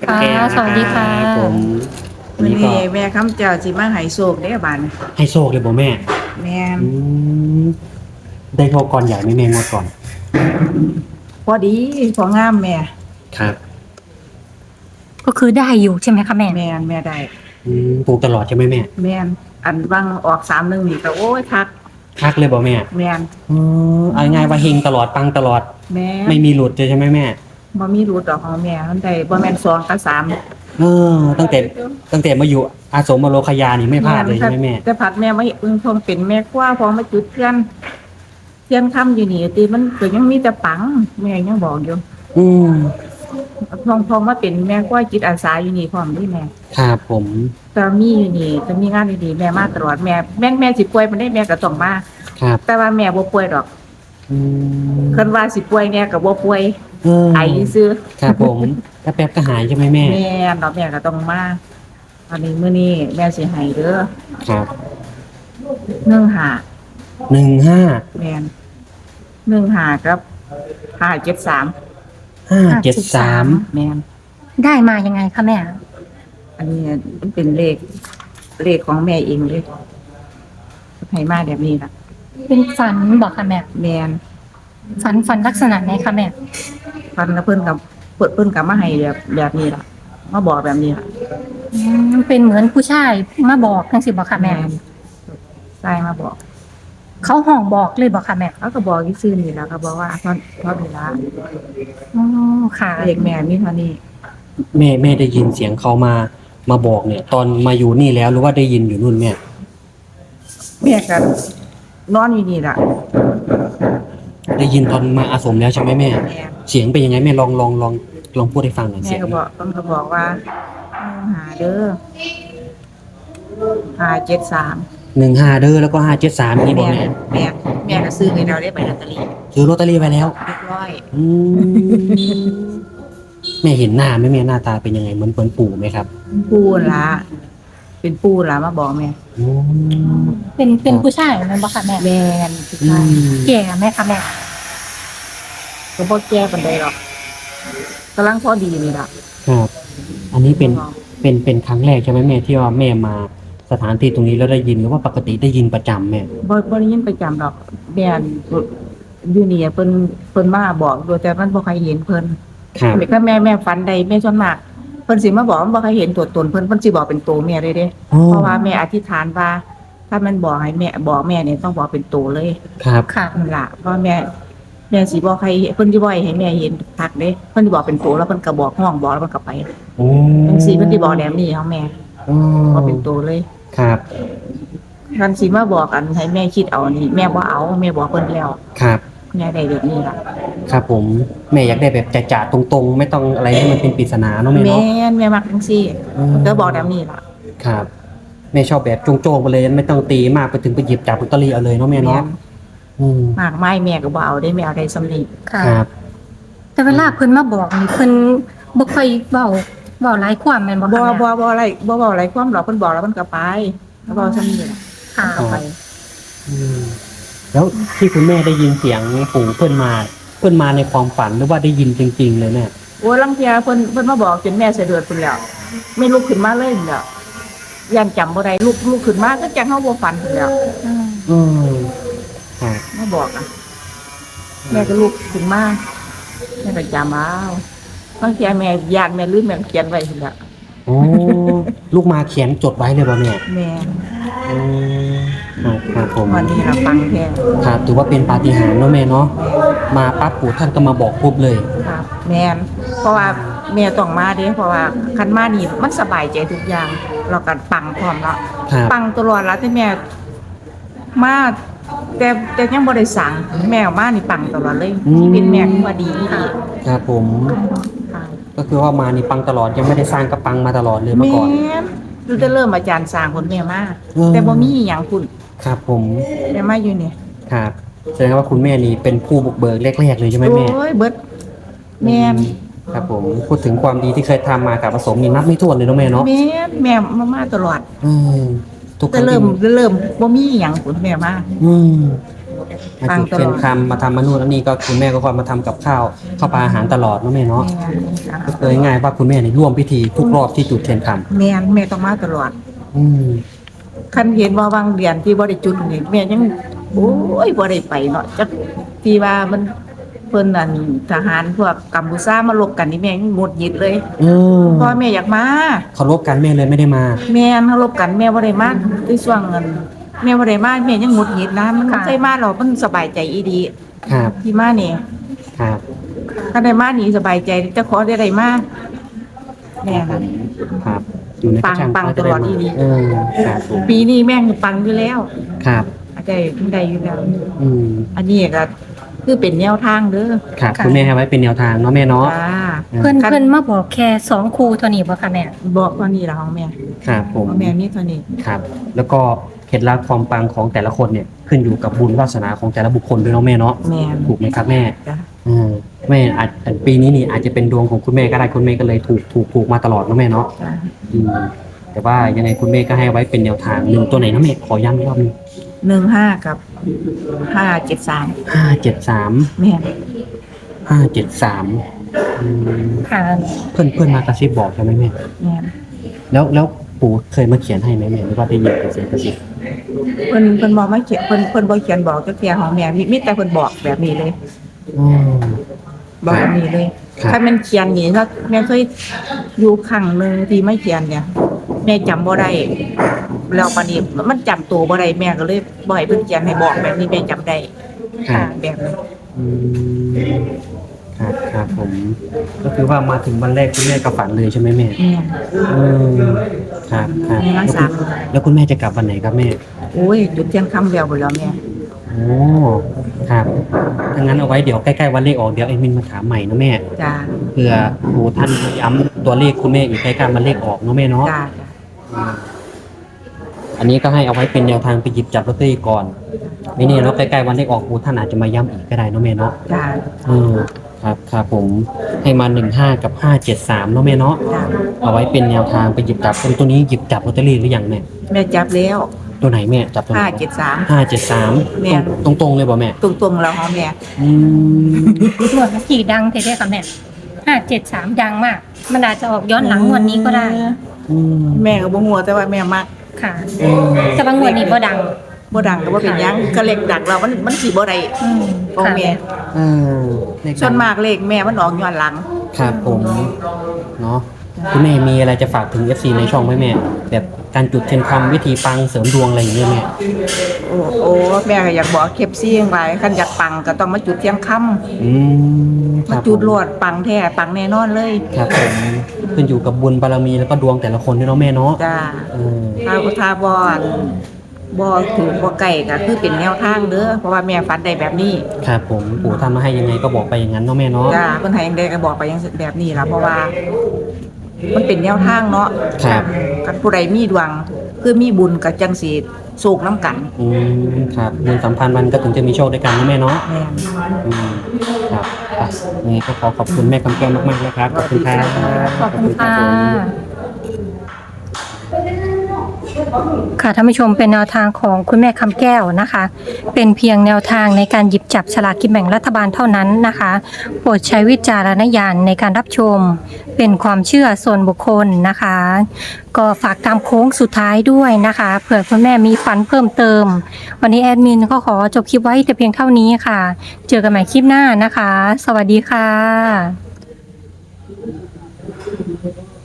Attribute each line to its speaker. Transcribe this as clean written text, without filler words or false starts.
Speaker 1: ค่ะ
Speaker 2: แก้ว
Speaker 1: ส
Speaker 2: นะครั
Speaker 1: วัสดีค่ะ
Speaker 2: บผมวัน
Speaker 3: มื้อ
Speaker 2: นี้ก็
Speaker 3: นี้แม่คำเจ้าสิมาให้โชคเด้อบัดนี้
Speaker 2: ให้โชคเลยบ่แม่
Speaker 3: แม่น
Speaker 2: อืมได้โชคก่อนใหญ่ไหมแม่งวดก่อน
Speaker 3: พอดีพองามแม่
Speaker 2: ครับ
Speaker 1: ก็คือได้อยู่ใช่ไหมคะแม่
Speaker 3: แม่ได้
Speaker 2: ถูกตลอดใช่ไหมแม่
Speaker 3: แม่นอันวังออก31นี่ก็โอ้ยคัก
Speaker 2: คักเลยบ่แม่
Speaker 3: แม่น
Speaker 2: เอาง่ายๆว่าเฮงตลอดปังตลอด
Speaker 3: แม่น
Speaker 2: ไม่มีหลุดเลยใช่ไหมแม่
Speaker 3: บ่มีรูดดอกของแม่มันได้บ่แม่น2กับ3
Speaker 2: เออตั้งแต่มาอยู่อาสมบรคยานี่ไม่พลาดเลยใช่ไหมแม่
Speaker 3: แต่ผัดแม่มาเพิ่งคงเป็นแม่ครัวพอมาจุดเทียนค่ำอยู่นี่ติมันก็ยังมีแต่ปังแม่ยังบอกอยู่
Speaker 2: อืม
Speaker 3: พอมาเป็นแม่ครัวจิตอาสาอยู่นี่พร้อมนี่แม่
Speaker 2: ครับผม
Speaker 3: แต่มีอยู่นี่จะมีงานดีๆแม่มาตลอดแม่สิป่วยมันได้แม่ก็ต้องมา
Speaker 2: ครับ
Speaker 3: แต่ว่าแม่บ่ป่วยดอก
Speaker 2: อืม
Speaker 3: เพิ่นว่าสิป่วยแม่ก็บ่ป่วย
Speaker 2: เออ
Speaker 3: ไอซื่อ
Speaker 2: ครับผมแป๊บๆก็หายใช่ไหมแม่
Speaker 3: แม่ดอกแม่ก็ต้องมาอันนี้มื้อนี้แม่สิให้เด้อ
Speaker 2: ครับ
Speaker 3: 15
Speaker 2: 15
Speaker 3: แม่น15กับ573
Speaker 2: 573
Speaker 3: แม่น
Speaker 1: ได้มายังไงคะแม่
Speaker 3: อันนี้มันเป็นเลขของแม่เองเลยให้มาแบบนี้ล่ะ
Speaker 1: เป็นฝันบอกค่ะแม่
Speaker 3: แม่น
Speaker 1: ฝันลักษณะไหนคะแม่
Speaker 3: ฟันแล้วเพิ่นก็มาให้แบบนี้ล่ะมาบอกแบบนี้ล่ะ
Speaker 1: เป็นเหมือนผู้ชายมาบอกจังสิบอกค่ะแม่
Speaker 3: ใช่มาบอก
Speaker 1: เขาห้องบอกเลยบอกค่ะแม่
Speaker 3: เขาก็บอกที่ซื่อนี่แหล้วก็บอกว่าเพราะเวลา
Speaker 1: อ๋อค่ะ
Speaker 3: เด็กแม่มีเท่านี้
Speaker 2: แม่ได้ยินเสียงเขามาบอกเนี่ย ตอนมาอยู่นี่แล้วหรือว่าได้ยินอยู่นู่นแม่
Speaker 3: แม่ก็นอนอยู่นี่ล่ะ
Speaker 2: ได้ยินตอนมาอาสมแล้วใช่ไหมแม่
Speaker 3: แม่
Speaker 2: เสียงเป็นยังไงแม่ลองพูดให้ฟังหน่อย
Speaker 3: แม่
Speaker 2: เสียง
Speaker 3: ก็บอกต้องก็บอกว่าหาเด้อ573
Speaker 2: 15เด้อแล้วก็573นี่บอกแม่
Speaker 3: แม่ก็ซื้อให้เราได้ใบลอตเตอรี่
Speaker 2: ซื้อลอตเตอรี่ไปแล้ว
Speaker 3: เรียบร้อย
Speaker 2: อืมแม่เห็นหน้าไหมแม่หน้าตาเป็นยังไงเหมือนปู่ไหมครับ
Speaker 3: ปู่ล่ะเป็นปู่ล่ะมาบอกแม่
Speaker 2: อืม
Speaker 1: เป็นผู้ชายนั่นบอกค่ะแม่
Speaker 3: แม่นสุดท้าย
Speaker 1: แก่ไหมคะแม่
Speaker 3: ก็บ่แก้ปานใดหรอกกำลังพอดีนี่ล่ะ
Speaker 2: ครับอันนี้เป็นครั้งแรกใช่ไหมแม่ที่ว่าแม่มาสถานที่ตรงนี้แล้วได้ยินหรือว่าปกติได้ยินประจำแม่
Speaker 3: บ่ได้ยินประจำดอกแม่นอยู่นี่เพิ่นมาบอกโดยแต่มันบ่ใครเห็นเพิ่น
Speaker 2: ครับ
Speaker 3: ก็แม่ฝันใดแม่ส่วนมากเพิ่นสิมาบอกมันบ่ใครเห็นตัวตนเพิ่นสิบอกเป็นตัวแม่เลยเด้เพราะว่าแม่อธิษฐานว่าถ้ามันบอกให้แม่บอกแม่เนี่ยต้องบอกเป็นตัวเลย
Speaker 2: ครับ
Speaker 1: ค่ะ
Speaker 3: นั่นล่ะเพราะแม่สิบอกใครเพิ่นสิบ่ให้แม่เห็นทักเด้เพิ่นสิบอกเป็นตัวแล้วเพิ่นก็บอกห้องบอกแล้วเพิ่นก็ไป
Speaker 2: โอ้
Speaker 3: จังซี่เพิ่นสิบอกแบบนี้ของแม่บอกเป็นตัวเลย
Speaker 2: ครับ
Speaker 3: คันสิมาบอกอันให้แม่คิดเอานี่แม่บ่เอาแม่บอกเพิ่นแล้ว
Speaker 2: ครับ
Speaker 3: แม่ได้แบบนี้ล่ะ
Speaker 2: ครับผมแม่อยากได้แบบจะๆตรงๆไม่ต้องอะไรให้มันเป็นปริศนาเนาะแม่เนาะ
Speaker 3: แม่มักจังซี่ก็บอกแบบนี้ล่ะ
Speaker 2: ครับแม่ชอบแบบโจ้งๆไปเลยไม่ต้องตีมากไปถึงไปหยิบจับลอตเตอรี่เอาเลยเนาะแม่เนาะ
Speaker 3: มากไม้แม่ก็บ่เอาได้แม่เอาได้สำนี
Speaker 1: ค่ะแต่เวลาเพิ่นมาบอกนี่เพิ่นบ่ค่อยเว้าหลายความแม่นบ่คะ
Speaker 3: บ่อะไรบ่เว้าอะไรความหรอกเพิ่นบอกแล้วเพิ่นก็ไปแล้วบ่สำนีล่ะ
Speaker 1: ค่ะ
Speaker 3: ไป
Speaker 2: แล้วที่คุณแม่ได้ยินเสียงปู่เพิ่นมาในความฝันหรือว่าได้ยินจริงๆเลยแม่
Speaker 3: โอ้ลังเที่ยเพิ่นมาบอกจนแม่สะดุดพุ่นแล้วไม่ลุกขึ้นมาเลยพุ่นแล้วยังจำบ่ได้ลุกขึ้นมาก็จังเฮาบ่ฝันพุ่นแล้ว
Speaker 2: ครับ
Speaker 3: มาบอกอ่ะแม่ก็ลุกขึ้นมาแม่ก็จำเอาบางทีแม่ญาติแม่ลืมแม่เขียนไว้พุ่นแล้ว
Speaker 2: โอ้ลูกมาเขียนจดไว้เลยป่ะแม่
Speaker 3: แม่
Speaker 2: ครับผม
Speaker 3: วันนี้เราฟังแค่
Speaker 2: ครับถือว่าเป็นปาฏิหาริย์เนาะแม่เนาะมาปั๊บปู่ท่านก็มาบอกปุ๊บเลย
Speaker 3: ครับแม่เพราะว่าแม่ต้องมาเด้เพราะว่าคันมานี่มันสบายใจทุกอย่างเราก็ปังพร้อมแล้วปังตลอดแล้วที่แม่มาแต่ยังบ่ได้สั่งแม่มานี่ปังตลอดเลยชีวิตแม่คือว่าดีค่ะ
Speaker 2: ครับผมก็คือว่ามานี่ปังตลอดยังไม่ได้สร้างกระปังมาตลอดเลยเมื่อก่อน
Speaker 3: แม่ดูจะเริ่มอาจารย์สร้างคนแม่มาแต่บ่มีหยังคุณ
Speaker 2: ครับผม
Speaker 3: แม่มาอยู่นี่
Speaker 2: ครับแสดงว่าคุณแม่นี่เป็นผู้บุกเบิกแรกๆเลยใช่ไหมแม่
Speaker 3: โอ้ยเบิดแม่
Speaker 2: ครับผมพูดถึงความดีที่เคยทำมากับผสมนี่นับไม่ถ้วนเลยเนาะแม่เนาะ
Speaker 3: แม่มาตลอด
Speaker 2: ทุกค
Speaker 3: รั้งเริ่มบ่มีหยังคุณแม่มา
Speaker 2: มาจุดเทียนคำมาทำมานู่นแล้วนี่ก็คุณแม่ก็คอยมาทำกับข้าวปลาอาหารตลอดเนาะแม่เนาะก็เลยง่ายว่าคุณแม่นี่ร่วมพิธีทุกรอบที่จุดเทียนคำ
Speaker 3: แม่ต้องมาตลอด
Speaker 2: อืม
Speaker 3: คันเห็นว่าบางเดือนที่บ่ได้จุดนี่แม่ยังโอ้ยบ่ได้ไปเนาะจักที่ว่ามันเพิ่นนั่นทหารพวกกัมพูชามาลบกันนี่แม่ยังหงุดหงิดเลย พ่อแม่อยากมา
Speaker 2: เคารพกันแม่เลยไม่ได้มา
Speaker 3: แม่เขาลบกันแม่บ่ได้มาที่ช่วงเงินแม่บ่ได้มาแม่ยังหงุดหงิดนะมันบ่เคยมาหรอกมันสบายใจอีดี
Speaker 2: ครับ
Speaker 3: ที่มานี่
Speaker 2: ครับ
Speaker 3: ถ้าได้มานี่สบายใจเจะขอได้มาแม่นั้น
Speaker 2: ครับอยู่ในกระชัง
Speaker 3: ปังตลอดอีหลี
Speaker 2: ครับผม
Speaker 3: ปีนี้แม่งปังอยู่แล้ว
Speaker 2: ครับ
Speaker 3: อาจจะได้อยู่แล้ว
Speaker 2: อืม
Speaker 3: อันนี้ก็คือเป็นแนวทางเด้อ
Speaker 2: ครับคุณแม่ให้ไว้เป็นแนวทางเนาะแม่เนาะ
Speaker 3: จ้า
Speaker 1: เพิ่นมาบอกแค่2คู่เท่านี้บ่คะแม่
Speaker 3: บอกว่านี่ละของแม่
Speaker 2: ครับผม
Speaker 3: ของแม่มีเท่านี้
Speaker 2: ครับ แล้วก็เคล็ดลับความปังของแต่ละคนเนี่ยขึ้นอยู่กับบุญวาสนาของแต่ละบุคคลด้วยเนาะแม่เนาะ
Speaker 3: แม่
Speaker 2: ถูกไหมครับแม่
Speaker 3: จ้า
Speaker 2: แม่อาจปีนี้นี่อาจจะเป็นดวงของคุณแม่ก็ได้คุณแม่ก็เลยถูกมาตลอดเนาะแม่เนาะ
Speaker 3: จ้า
Speaker 2: อืมแต่ว่ายังไงคุณแม่ก็ให้ไว้เป็นแนวทางหนึ่งตัวไหนนะแม่ขอย้ำอีกรอบหนึง
Speaker 3: 15กับ573
Speaker 2: 573
Speaker 3: แม่
Speaker 2: 573
Speaker 1: ค่ะ
Speaker 2: เพื่อนมากระซิบบอกใช่ไหมแม่
Speaker 3: แม่
Speaker 2: แล้วปู่เคยมาเขียนให้ไหมแม่หรือว่าได้ยินเป็นเสียงกระซิบ
Speaker 3: เพิ่นบอกมาเขียนเพิ่นบ่เขียนบอกจักเที่ยของแม่มีแต่เพิ่นบอกแบบนี้เลย
Speaker 2: อืม
Speaker 3: บอกแบบนี้เลย
Speaker 2: ครับ
Speaker 3: ถ้ามันเขียนนี่ถ้าแม่เคยอยู่ครั้งหนึงที่ไม่เขียนเนี่ยแม่จำบ่ได้แล้วปานนี้มันจำตัวบ่ได้แม่ก็เลยบ่ให้เพิ่นเขียนให้บอกแบบนี้แม่จำได้
Speaker 2: ครับ
Speaker 3: แบบนี้
Speaker 2: อืมครับผมก็คือว่ามาถึงวันแรกคุณแม่ก็ฝันเลยใช่ไหมแม่
Speaker 3: แม่
Speaker 2: อืมครับ
Speaker 3: แม่รักษา
Speaker 2: แล้วคุณแม่จะกลับวันไหนครับแม่
Speaker 3: โอ้ยจุดเที่ยงค่ำแล้วบ่แล้วแม่
Speaker 2: โอ้ครับถ้างั้นเอาไว้เดี๋ยวใกล้ๆวันเลขออกเดี๋ยวเอ็มินมาถามใหม่นะแม่
Speaker 3: จ้า
Speaker 2: เพื่อปู่ท่านย้ำตัวเลขคุณแม่อีกใกล้ๆวันเลขออกเนาะแม่เนาะ
Speaker 3: จ้า
Speaker 2: อันนี้ก็ให้เอาไว้เป็นแนวทางไปหยิบจับลอตเตอรี่ก่อนไม่แน่เนาะใกล้ๆวันเลขออกปู่ท่านอาจจะมาย้ำอีกก็ได้เนาะแม่เนาะ
Speaker 3: จ้า
Speaker 2: ครับผมให้มา15กับ573เนาะแม่เนาะ
Speaker 3: จ้า
Speaker 2: เอาไว้เป็นแนวทางไปหยิบจับตัวนี้หยิบจับลอตเตอรี่หรือยังแม่
Speaker 3: แม่จับแล้ว
Speaker 2: ตัวไหนแม่จับตัวไหน
Speaker 3: 573 แม่
Speaker 2: 573ตรงๆเลยบ่แม่
Speaker 3: ตรงๆแล้วของแม่
Speaker 2: อืม
Speaker 1: หมวดเมื่อกี้ดังเท่ๆค่ะแม่573ดังมาก มันอาจจะออกย้อนหลังงวดนี้ก็ได้
Speaker 2: อืม
Speaker 3: แม่ก็บ่ฮู้แต่ว่าแม่มัก
Speaker 1: ค่ะ
Speaker 2: อืม
Speaker 1: แต่บางงวดนี้บ่ดัง
Speaker 3: บ่ดังก็บ่เป็นหยังก็เลขดักเรามันสิบ่ได้
Speaker 1: อืม
Speaker 3: ของแม่
Speaker 2: เออเลข
Speaker 3: ส่วนมากเลขแม่มันออกย้อนหลัง
Speaker 2: ครับผมเนาะคุณแม่มีอะไรจะฝากถึง FC ในช่องไหมแม่ แบบการจุดเทียนคำวิธีปังเสริมดวงอะไรอย่างเงี้ยแม่
Speaker 3: โอ้แม่ก็อยากบอกเคปซี่จังไว้คันอยากปังก็ต้องมาจุดเที่ยงค่ำ
Speaker 2: อืมค
Speaker 3: มา
Speaker 2: รับ
Speaker 3: จุดโลดปังแท้ปังแน่นอนเลย
Speaker 2: ครับผมขึ้นอยู่กับบุญบารมีแล้วก็ดวงแต่ละคนด้วยเนาะแม่เนาะ
Speaker 3: จ้า
Speaker 2: เออ
Speaker 3: ถ้าบ่ถือบ่ไก่ก็คือเป็นแนวทางเด้อเพราะว่าแม่ฝันได้แบบนี้
Speaker 2: ครับผมปู่ทำมาให้ยังไงก็บอกไปอย่างนั้นเนาะแม่เนาะ
Speaker 3: จ้าเพิ่นให้จังได๋ก็บอกไปอย่างแบบนี้ล่ะเพราะว่า มันเป็นแนวทางเนาะ
Speaker 2: ครับ
Speaker 3: กันผู้ใดมีดวงคือมีบุญก็จังสิโศกน้ำกัน
Speaker 2: อืมครับบุญสัมพันธ์มันก็ถึงจะมีโชคด้วยกันเนาะแม่เนาะ
Speaker 3: แม่น
Speaker 2: อืมครับอ่ะนี่ก็ขอบคุณแม่คำแก้วมากๆนะครับขอบคุณครับ
Speaker 1: ขอบคุณค่ะ
Speaker 2: ผม
Speaker 1: ค่ะท่านผู้ชมเป็นแนวทางของคุณแม่คำแก้วนะคะ เป็นเพียงแนวทางในการหยิบจับฉลากกินแบ่งรัฐบาลเท่านั้นนะคะ โปรดใช้วิจารณญาณในการรับชม เป็นความเชื่อส่วนบุคคลนะคะ ก็ฝากตามโค้งสุดท้ายด้วยนะคะเผื่อคุณแม่มีฝันเพิ่มเติม วันนี้แอดมินก็ขอจบคลิปไว้แต่เพียงเท่านี้ค่ะ เจอกันใหม่คลิปหน้านะคะ สวัสดีค่ะ